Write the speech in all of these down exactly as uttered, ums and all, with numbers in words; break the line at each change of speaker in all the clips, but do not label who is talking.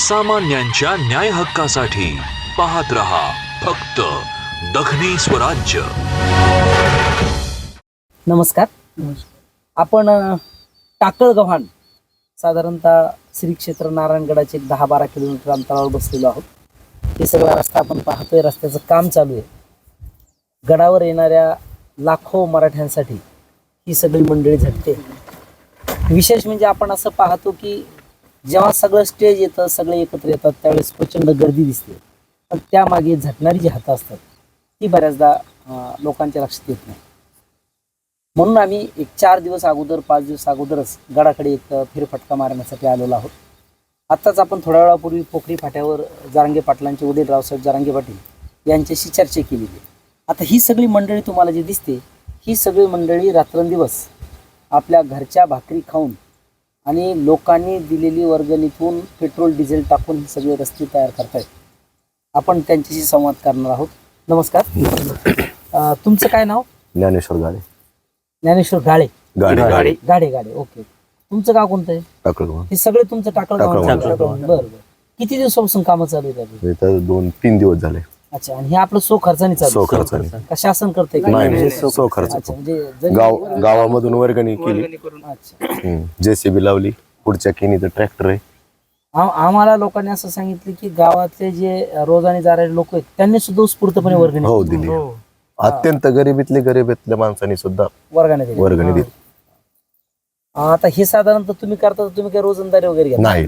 सामान्यांच्या न्याय हक्कासाठी पाहत रहा फक्त दखनी स्वराज्य.
नमस्कार. आपण टाकळगव्हाण साधारणतः श्री क्षेत्र नारायणगडाचे एक दहा बारा किलोमीटर अंतरावर बसलेलो आहोत. हे सगळा रस्ता आपण पाहतोय, रस्त्याचं काम चालू आहे. गडावर येणाऱ्या लाखो मराठ्यांसाठी ही सगळी मंडळी झटते. विशेष म्हणजे आपण असं पाहतो की जेव्हा सगळं स्टेज येतं, सगळे एकत्र येतात, त्यावेळेस प्रचंड गर्दी दिसते, पण त्यामागे झटणारी जी हातं असतात ती बऱ्याचदा लोकांच्या लक्षात येत नाही. म्हणून आम्ही एक चार दिवस अगोदर पाच दिवस अगोदरच गडाकडे एक फेरफटका मारण्यासाठी आलेलो आहोत. आत्ताच आपण थोड्या वेळापूर्वी पोखरी फाट्यावर जारांगे पाटलांचे वडील रावसाहेब जारांगे पाटील यांच्याशी चर्चा केलेली. आता ही सगळी मंडळी तुम्हाला जी दिसते, ही सगळी मंडळी रात्रंदिवस आपल्या घरच्या भाकरी खाऊन आणि लोकांनी दिलेली वर्गणीतून पेट्रोल डिझेल टाकून हे सगळे रस्ते तयार करतायत. आपण त्यांच्याशी संवाद करणार आहोत. नमस्कार. तुमचं काय नाव?
ज्ञानेश्वर गाडे.
ज्ञानेश्वर गाळे.
गाडे गाडे
गाडे गाडे ओके. तुमचं गाव कोणतं आहे?
टाकळगाव.
हे सगळे तुमचं टाकळगाव. बरं बरं. किती दिवसापासून कामं चालू आहेत?
इथं दोन तीन दिवस झाले.
अच्छा. आणि हे आपलं सो खर्चाने चालू?
सो खर्चाने.
का शासन करते?
नाही, सो खर्च.
अच्छा. म्हणजे
गाव गावामधून वर्गणी केली,
अच्छा.
जेसीबी लावली, पुढच्या केनीचं ट्रॅक्टर आहे.
आम- आम्हाला लोकांनी असं सांगितलं की गावातले जे रोजाने जाणारे लोक आहेत त्यांनी सुद्धा उत्स्फूर्तपणे वर्गणी
हो दिली. अत्यंत गरिबीतले गरिबीतल्या माणसांनी सुद्धा
वर्गाने दिली.
वर्गणी दिली.
आता हे साधारणतः तुम्ही करता, तुम्ही काय रोजंदारी वगैरे घेता?
नाही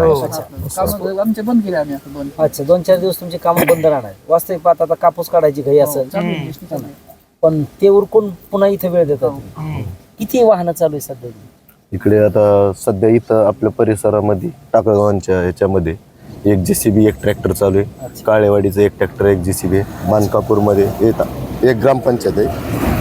आमचे बंद केले आम्ही आता दोन
अच्छा. दोन चार दिवस तुमचे काम बंद राहणार. वास्तविक पाहता आता कापूस काढायची घाई असेल, पण ते उरकून पुन्हा इथे वेळ देतात तुम्ही. किती वाहनं चालू आहे सध्या?
इकडे आता सध्या इथं आपल्या परिसरामध्ये टाकळगावांच्या ह्याच्यामध्ये एक जेसीबी एक ट्रॅक्टर चालू आहे. काळेवाडीचं एक ट्रॅक्टर एक जेसीबी आहे. मानकापूरमध्ये येतात एक ग्रामपंचायत आहे.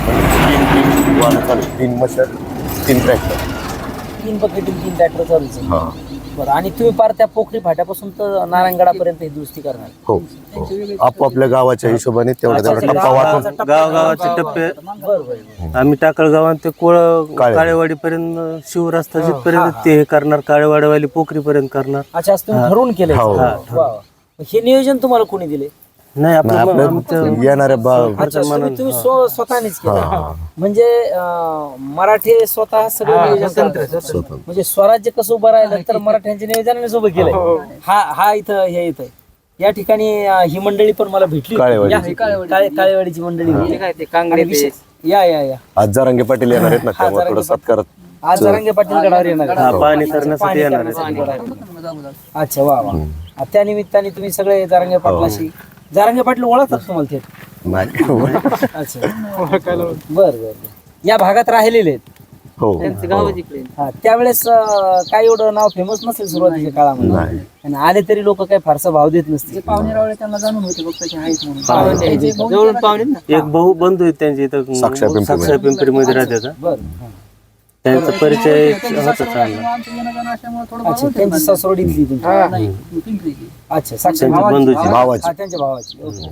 तीन वाहनं चालू, तीन मशाल, तीन ट्रॅक्टर,
तीन बकेटील तीन ट्रॅक्टर चालूच आहे.
हा
बरं. आणि तुम्ही पार त्या पोखरी फाट्यापासून तर नारायणगडापर्यंत ही दुरुस्ती करणार?
हो. आपोआपल्या गावाच्या हिशोबाने तेवढा तेवढा टप्पा वाटून
गावगावाचे टप्पे
बरं बरं.
आम्ही टाकळगावात ते कोळ काळेवाडी पर्यंत शिवरस्ता जिथपर्यंत ते हे करणार, काळेवाडीवाली पोखरी पर्यंत करणार.
अच्छा. असं तुम्ही ठरवून केलंय?
हो.
वा वा. हे नियोजन तुम्हाला कोणी दिले?
नाही आपलं
आपल्या येणाऱ्या बा
अच्छा. तुम्ही तुम्ही स्व- स्वतःनेच केलं म्हणजे अं, मराठी स्वतः सगळं नियोजन करतात. म्हणजे स्वराज्य कसं उभं राहिलं तर मराठ्यांच्या नियोजनाने उभं केलंय. हा हा इथं हे इथं या ठिकाणी अं, ही मंडळी पण मला भेटली.
काळेवाडीची.
या, काळे- काळेवाडीची मंडळी होती. आणि विशेष- या या या
आज जारांगे पाटील येणार आहेत ना,
हा,
त्यामुळे
जारांगे
थोडं सत्कार.
आज जारांगे पाटील गडावर येणार आहेत.
हा, पाणी करण्यासाठी
पाणी
येणार
करण्यासाठी गडावर येणार. अच्छा. वा वा. त्या निमित्ताने तुम्ही सगळे जारांगे पाटलाशी जारांगे पाटील ओळखतात तुम्हाला ते?
नाही.
अच्छा. बर बर. या भागात राहिलेले आहेत.
हो
हा. त्यावेळेस अं, काय एवढं नाव फेमस नसेल सुरुवातीच्या काळामध्ये,
नाही.
आणि आले तरी लोक काही फारसा भाव देत नसतील.
पाहुणे रावळे त्यांना जाणून होते बघ त्याचे आहेत म्हणून.
जवळून पाहुणे ना.
एक भाऊ बंधू आहेत त्यांचे इथं
साक्षा पिंपरी
साक्षा पिंपरीमध्ये राहतात.
बर. हा.
त्यांचा परिचय होता चांगला.
आमचं येणं जाणं असल्यामुळे थोडं
अच्छा. त्यांची सासवड इथली तुमची?
नाही पिंपरीची.
अच्छा. साक्षात
त्यांच्या
भावाची?
बंधूची.
भावाची.
हा, त्यांच्या भावाची. ओके.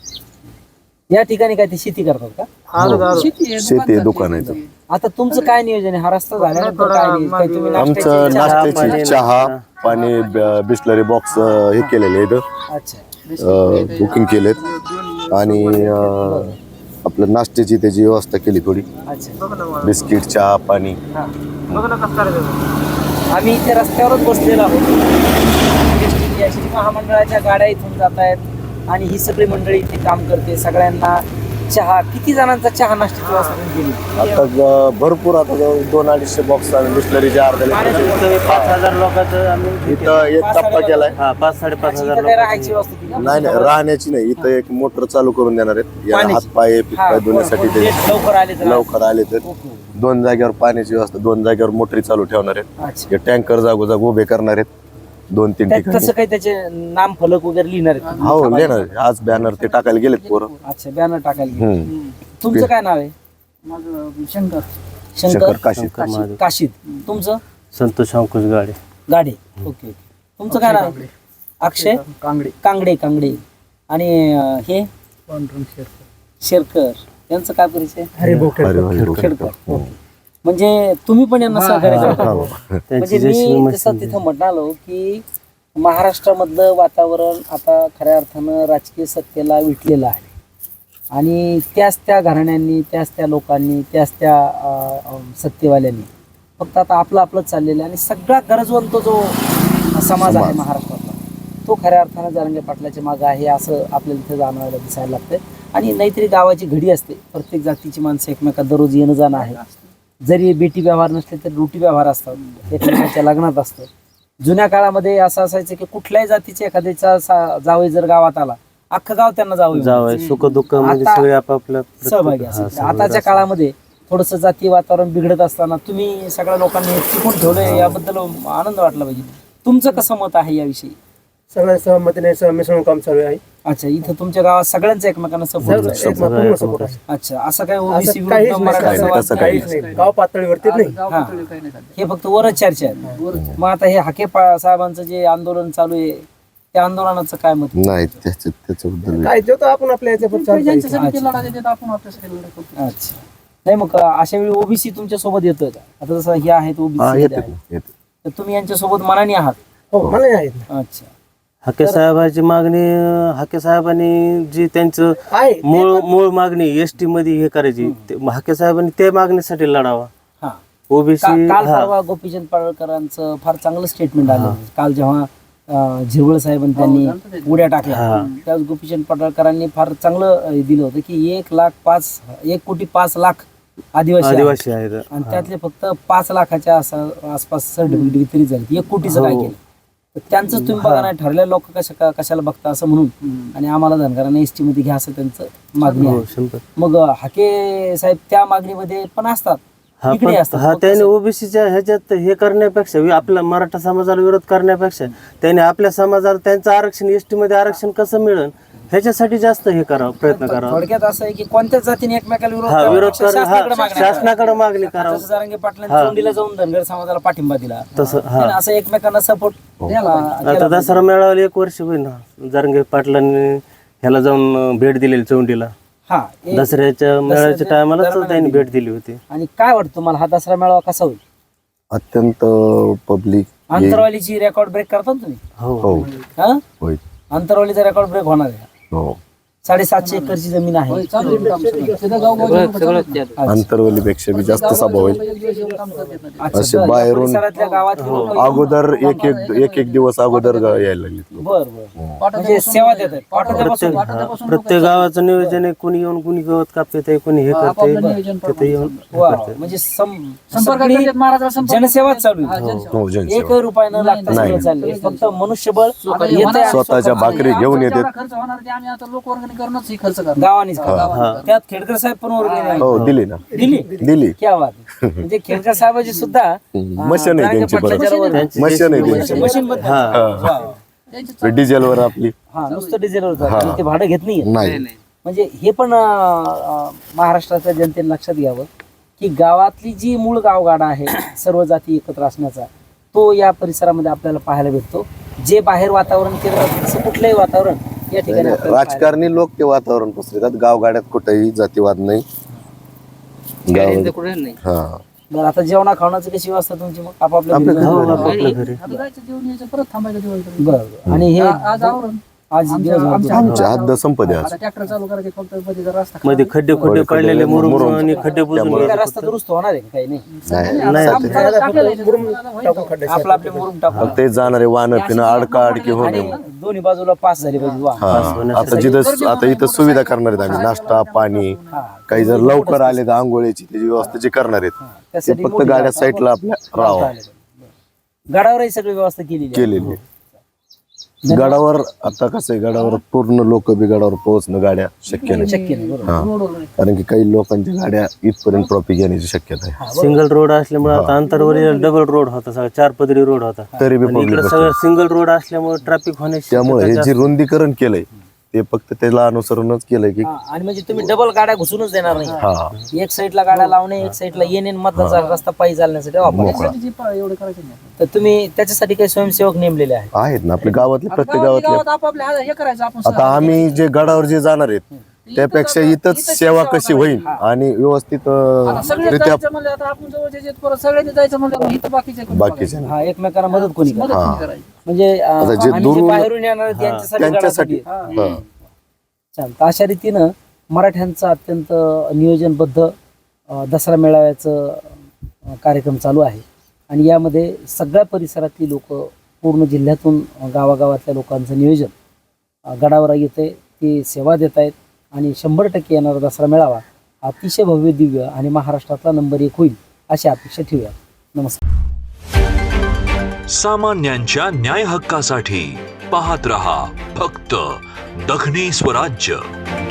या ठिकाणी काय ते शेती करतात का?
शेती आहे,
शेती आहे, दुकान आहे.
आता तुमचं काय नियोजन आहे? हा रस्ता झाल्यानंतर काय नियोजन? काही तुम्ही
आमचं
नाश्त्याची-
नाश्त्याची
पाणी,
चहा पाणी बिस्लरी बॉक्स हे केलेले इथं
अच्छा.
बुकिंग केलेत. आणि अं, आपलं नाश्त्याची त्याची व्यवस्था केली थोडी.
अच्छा.
बिस्किट चहा पाणी.
हा. आम्ही इथे रस्त्यावरच बसलेलो आहोत. एस टी महामंडळाच्या गाड्या इथून जात आहेत आणि ही सगळी मंडळी इथे काम करते. सगळ्यांना चहा, किती जणांचा चहा नाश्त्याची व्यवस्था तुम्ही केली?
आता ग- भरपूर आता जवळ दोन अडीचशे बॉक्स आम्ही बिस्लरीचे अर्धा लिटर.
इथं पाच हजार लोकांचं आम्ही
इथं एक टप्पा केलाय.
हा पाच साडेपाच
अच्छा,
हजार
इथं काय
लोक.
राहायची व्यवस्था केली?
नाही नाही राहण्याची नाही. इथं एक मोटर चालू करून देणार आहेत. या
पाण्याची?
हात पाय
हा,
पाय धुण्यासाठी
कोण-
ते
कोण लवकर आले तर
लवकर आले तर
ओके.
दोन जागेवर पाण्याची व्यवस्था, दोन जागेवर मोटरी चालू ठेवणार आहेत.
अच्छा.
हे टँकर जागोजाग उभे करणार आहेत दोन तीन
त्यात
ठिकाणी.
कसं काही त्याचे नाम फलक वगैरे लिहिणार आहेत?
हो लिहिणार. आज बॅनर ते टाकायला गेलेत पोरं.
अच्छा. बॅनर टाकायला गेले.
हम्म.
तुमचं काय नाव आहे?
माझं शंकर
शंकर
शंकर काशी.
महादेव.
काशीद. तुमचं?
संतोष अंकुश गाडे.
गाडे. ओके. तुमचं काय नाव आहे? अक्षय
कांगडे
कांगडे. कांगडे. आणि अं, हे
पांढरंग शेरकर.
शेरकर यांचं काय परिचय?
अरे वा,
खेडकर. म्हणजे तुम्ही पण यांना सहकार्य करता.
हो.
म्हणजे
त्यांची जशी
मी
मशीन
जसं तिथं म्हणालो की महाराष्ट्रामधलं वातावरण आता खऱ्या अर्थानं राजकीय सत्तेला विटलेलं आहे आणि त्याच त्या घराण्यांनी, त्याच त्या लोकांनी, त्याच त्या अं, अं, सत्तेवाल्यांनी फक्त आता आपलं आपलंच चाललेलं आहे आणि सगळा गरजवंत जो समाज आहे महाराष्ट्रातला तो खऱ्या अर्थानं जरांगे पाटलाच्या मागं आहे असं आपल्याला इथं जाणवायला दिसायला लागतंय. आणि नाहीतरी गावाची घडी असते, प्रत्येक जातीची माणसं एकमेकात दररोज येणं जाणं आहे. जरी बेटी व्यवहार नसले तरी रोटी व्यवहार असतात, एकमेकांच्या लग्नात असतं. जुन्या काळामध्ये असं असायचं की कुठल्याही जातीच्या एखाद्याचा सा- जावई जर गावात आला अख्खं गाव त्यांना जावई
जावं सुख दुःख मध्ये
आता
सगळे आपापल्या
सहभागी असायचे. आताच्या काळामध्ये थोडंसं जातीय वातावरण बिघडत असताना तुम्ही सगळ्या लोकांनी टिकून ठेवलंय याबद्दल आनंद वाटला पाहिजे. तुमचं कसं मत आहे याविषयी?
सगळ्या सहमतीने सह- मिसळून काम चालू आहे.
अच्छा, इथं तुमच्या गावात सगळ्यांचं एकमेकांना सपोर्ट
एक पूर्ण support आहे.
अच्छा, असं काय
असं
ओबीसी
काहीच
विरुद्ध
नाही,
मराठा
काही नाही,
समाज
तसं
काही
काहीच
नाही. गाव पातळीवरती नाही.
गाव
हा.
पातळीवर काही नाही चालत.
हे फक्त वरच चर्चा आहे. मग आता हे हाके पा- साहेबांचं जे आंदोलन चालू आहे त्या आंदोलनाचं काय मत?
नाही त्याच्या त्याच्याबद्दल
काय देतो आपण आपल्या याच्यावर चालू आहे.
ज्यांच्यासाठी ते लढा देतात आपण आपल्यासाठी लढा करतो.
अच्छा, नाही मग अशा वेळी ओबीसी तुमच्या सोबत येतं का? आता जसं हे आहेत
हा
ओबीसी
येते येते
तर तुम्ही यांच्या सोबत मनाने आहात?
हो मला आहेत ना.
अच्छा,
हाके साहेबांची मागणी हाके साहेबांनी जी त्यांचं
आहे
मूळ मूळ मागणी एस टी मध्ये हे करायची ते- हाके साहेबांनी त्या मागणीसाठी लढावा.
हा.
ओबीसी
का- काल परवा गोपीचंद पडळकरांचं फार चांगलं स्टेटमेंट आलं. काल जेव्हा अं, झिरवळ साहेबांनी त्यांनी उड्या टाकल्या त्यावेळेस गोपीचंद पडळकरांनी फार चांगलं अं, दिलं होतं की एक लाख पाच एक कोटी पाच लाख आदिवासी आहेत.
आदिवासी आहेत.
आणि त्यातले फक्त पाच लाखाच्या आसा- आसपास सर्टिफिकेट वितरित झाले. एक कोटीचं काय केलं तर त्यांचं तुम्ही बघा नाही ठरलेले लोक कशा कशाला बघता असं म्हणून आणि आम्हाला धनगरांना एस टी मध्ये घ्या असं त्यांचं मागणी
हो,
आहे.
शंभर.
मग हाके साहेब त्या मागणीमध्ये पण असतात,
हा
इकडे
पण
असतात.
हा
मग
त्याने
कसं?
ओबीसीच्या ह्याच्यात हे करण्यापेक्षा वि- आपल्या मराठा समाजाला विरोध करण्यापेक्षा त्याने आपल्या समाजाला त्यांचं आरक्षण एसटी मध्ये आरक्षण कसं मिळेल ह्याच्यासाठी जास्त हे करावं प्रयत्न करावा.
थोडक्यात असं आहे की कोणत्याच जातीने एकमेकाला विरोध
हा
करावा,
विरोध कर
शासनाकडे
हा
मागणी करावी.
शासनाकडे मागणी करावं.
जसं जरांगे पाटलांनी चोंडीला जाऊन धनगर समाजाला पाठिंबा दिला
तसं हा
त्यानं असं एकमेकांना सपोर्ट
आता दसरा मेळाव्याला एक वर्ष होईल ना जरंगे पाटलांनी ह्याला जाऊन अं, भेट दिलेली चौंडीला.
हा एक-
दसऱ्याच्या मेळाव्याच्या टायमाला त्यांनी भेट दिली होती.
आणि काय वाटतं तुम्हाला हा दसरा मेळावा कसा होईल?
अत्यंत पब्लिक
आंतरवालीची रेकॉर्ड ब्रेक करता ना तुम्ही?
हो
हो
हा
होय
आंतरवालीचा रेकॉर्ड ब्रेक होणार आहे.
हो
साडेसातशे एकरची जमीन आहे.
होय, चालू आहे काम सगळं. तिथं गाव गाव लोकं चालतात.
अच्छा.
आंतरवलीपेक्षा बी जास्त सभा होईल.
एक दिवस येऊन काम करतात ना ते.
अच्छा,
असे
बरं. या
बाहेरून-
परिसरातल्या गावातली लोकं-
अगोदर एक एक एक एक दिवस अगोदर गा- यायला लागले लोक.
बर बर म्हणजे
पाठवल्यापासून
सेवा देतात. पाठवल्यापासून
प्रत्येक प्रत्येक गावाचं नियोजन आहे. कोणी येऊन कोणी गवत कापते कोणी हे
आपापलं
करते
नियोजन
तिथे येऊन हे
वा,
करते.
म्हणजे सम-
संपर्क
सगळी
करतात, महाराजाला संपर्क
जनसेवाच
करतात.
चालू
हा,
आहे.
जनसेवा.
हो जनसेवा.
एक रुपया न लागता
नाही.
सगळं चाललंय. फक्त मनुष्यबळ
आता हे
येतंय.
होणार-
स्वतःच्या भाकरी घेऊन
आमचा
येतात.
जेवढा खर्च होणार ते आम्ही आता लोकवर्गणी करूनच हे खर्च करणार.
गावानीच करा. त्यात खेडकर साहेब पण वर्गणी नाही.
हो दिली ना
दिली
दिली
क्या बात आहे. म्हणजे खेडकर साहेबाची सुद्धा
मशीन आहे त्यांची परत
त्यांची
मशीन आहे त्यांची
मशीन बद्दल
त्यांची
डिझेलवर आपली
हा नुसतं डिझेलवर जातं. ते भाडं घेत नाही.
नाही
म्हणजे हे पण अं, अं, महाराष्ट्राच्या जनतेने लक्षात घ्यावं की गावातली जी मूळ गावगाडा आहे सर्व जाती एकत्र असण्याचा तो या परिसरामध्ये आपल्याला पाहायला भेटतो. जे बाहेर वातावरण केलं जातं तसं कुठलंही वातावरण या ठिकाणी आपल्याला पाहायला
राजकारणी लोक ते वातावरण पसरतात. गावगाड्यात कुठेही जातीवाद नाही. गाव हा
बरं, आता जेवणा खावण्याची कशी व्यवस्था तुमची मग आपापल्या
आपल्या
घरी?
हो आपापल्या घरी
आता जायचं जेवण यायचं परत थांबायचं दिवाळीपर्यंत.
बरं बरं. आणि हे
आ- आज आवरून
आज
आमच्या-
दिवसभर
आमच्या-
आमच्या हद्द संपदे आज
आता ट्रॅक्टर चालू करायचे फक्त मध्ये जर रस्ता
मध्ये खड्डे खुड्डे पडलेले मुरुम
मुरुम.
आणि खड्डे बुजून
त्यामुळे
काय
घ्यायचे.
रस्ता दुरुस्त होणार आहे का? काही नाही.
नाही
नाही
आमचं टाकलेलं आहे.
टाकून खड्डे
आपलं आपले मुरुम टाकू
फक्त ते जाणारे वाहन पिणं अडका अडकी होऊ
आणि
नये.
दोन्ही बाजूला पास झाली पाहिजे वा.
हा आता जिथं आता इथं सुविधा करणार आहेत आम्ही नाश्ता पाणी काही जर लवकर आले तर आंघोळीची त्याची व्यवस्था जी करणार आहेत ते
त्यासाठी
फक्त
मोठी
गाड्या साईडला आपल्या राहावं
गडावरही सगळी व्यवस्था केलेली आहे.
केलेली आहे. गडावर आता कसं आहे गडावर पूर्ण लोक बी गडावर पोहोचणं गाड्या शक्य नाही.
शक्य नाही बरोबर.
हा कारण की काही लोकांच्या गाड्या इथपर्यंत ट्रॉफिक येण्याची शक्यता आहे.
सिंगल रोड असल्यामुळे आता अंतरवरील डबल रोड होता सगळा चार पदरी रोड होता.
तरी बी
आणि
पब्लिक
इकडे सगळं सिंगल रोड असल्यामुळे ट्रॅफिक होण्याची
त्यामुळे हे
शक्यता
जे रुंदीकरण केलंय ते फक्त त्याला अनुसरूनच केलंय की
हा, आणि म्हणजे तुम्ही डबल गाड्या घुसूनच देणार नाही.
हा
एक साईडला गाड्या लावणे एक साईडला येणे मतदार रस्ता पायी चालण्यासाठी वापरा.
मोकळा
जी प- एवढं करायचं नाही.
तर तुम्ही त्याच्यासाठी काही स्वयंसेवक नेमलेले आहेत?
आहेत ना आपल्या गावातले
आता
प्रत्येक
गावातल्या
गावातले
गावात आपापले हा- हे करायचं आपण
आता आम्ही जे गडावर जे जाणार आहेत त्यापेक्षा इथंच सेवा कशी होईल आणि व्यवस्थित
आता
अं,
सगळे
रित्या
जायचं म्हणलं आता आपण जवळचे जे परत सगळ्यांनी जायचं म्हणलं इथं बाकीचे कोणी
बाकीचे
हा एकमेकांना मदत कोणी
बघायचं?
करणार?
मदत कोणी करायची?
म्हणजे अं,
आता जे
आम्ही जे
दुरून-
बाहेरून येणार आहेत त्यांच्यासाठी
त्यांच्यासाठी
गडासाठी.
हा.
चालतं अशा रीतीनं मराठ्यांचं अत्यंत नियोजनबद्ध अं, दसरा मेळाव्याचं अं, कार्यक्रम चालू आहे आणि यामध्ये सगळ्या परिसरातली लोक पूर्ण जिल्ह्यातून अं, गावागावातल्या लोकांचं नियोजन अं, गडावर येते ते सेवा देत आहेत आणि शंभर टक्के येणारा दसरा मेळावा अतिशय भव्य दिव्य आणि महाराष्ट्रातला नंबर एक होईल अशी अपेक्षा ठेवूया. नमस्कार.
सामान्यांच्या न्याय हक्कासाठी पाहत रहा फक्त दखनी स्वराज्य.